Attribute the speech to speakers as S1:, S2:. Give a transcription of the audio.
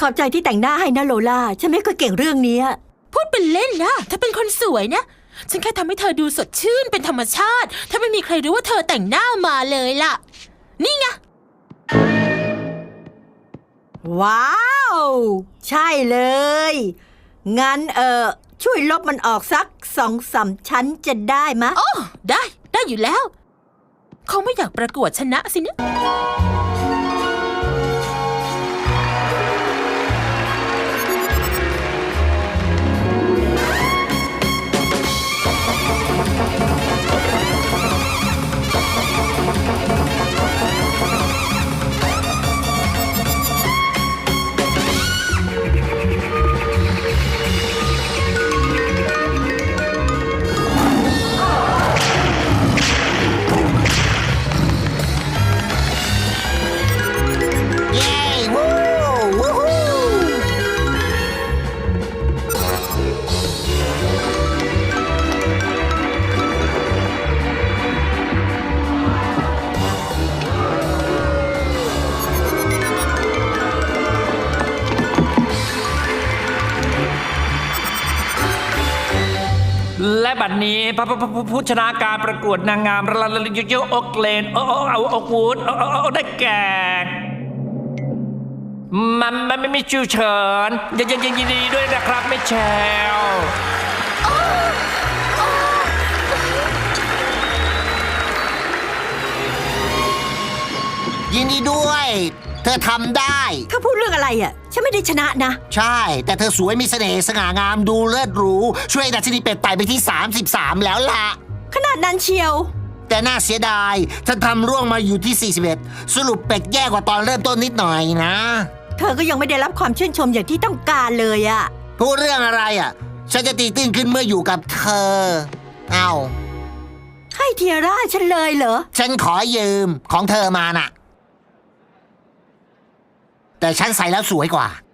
S1: ขอบใจที่แต่งหน้าให้นะโลล่าฉันไม่ค่อยเก่งเรื่องนี้
S2: พูดเป็นเล่นนะเธอเป็นคนสวยนะฉันแค่ทำให้เธอดูสดชื่นเป็นธรรมชาติถ้าไม่มีใครรู้ว่าเธอแต่งหน้ามาเลยล่ะนี่ไง
S1: ว้าวใช่เลยงั้นช่วยลบมันออกสัก2-3 ชั้นจะได้มะ
S2: โอ้ได้อยู่แล้วเขาไม่อยากประกวดชนะสินะ
S3: และบัดนี้ผู้ชนะการประกวดนางงามระดับยูโอเกลนโอวูดได้แก่มันไม่มีชื่อเชิญยินดีด้วยนะครับไม่แชล
S4: ยินดีด้วยเธอทำได้
S1: เขาพูดเรื่องอะไรฉันไม่ได้ชนะนะ
S4: ใช่แต่เธอสวยมีเสน่ห์สง่างามดูเลิศหรูช่วยดัชนีเป็ดไต่ไปที่33แล้วล่ะ
S1: ขนาดนั้นเชียว
S4: แต่น่าเสียดายฉันทำร่วงมาอยู่ที่41สรุปเป็ดแย่กว่าตอนเริ่มต้นนิดหน่อยนะ
S1: เธอก็ยังไม่ได้รับความชื่นชมอย่างที่ต้องการเลย
S4: พูดเรื่องอะไรฉันจะตีตื้นขึ้นเมื่ออยู่กับเธอ
S1: ให้เทียร่าฉันเลยเหรอ
S4: ฉันขอยืมของเธอมาน่ะแต่ฉันใส่แล้วสวยกว่า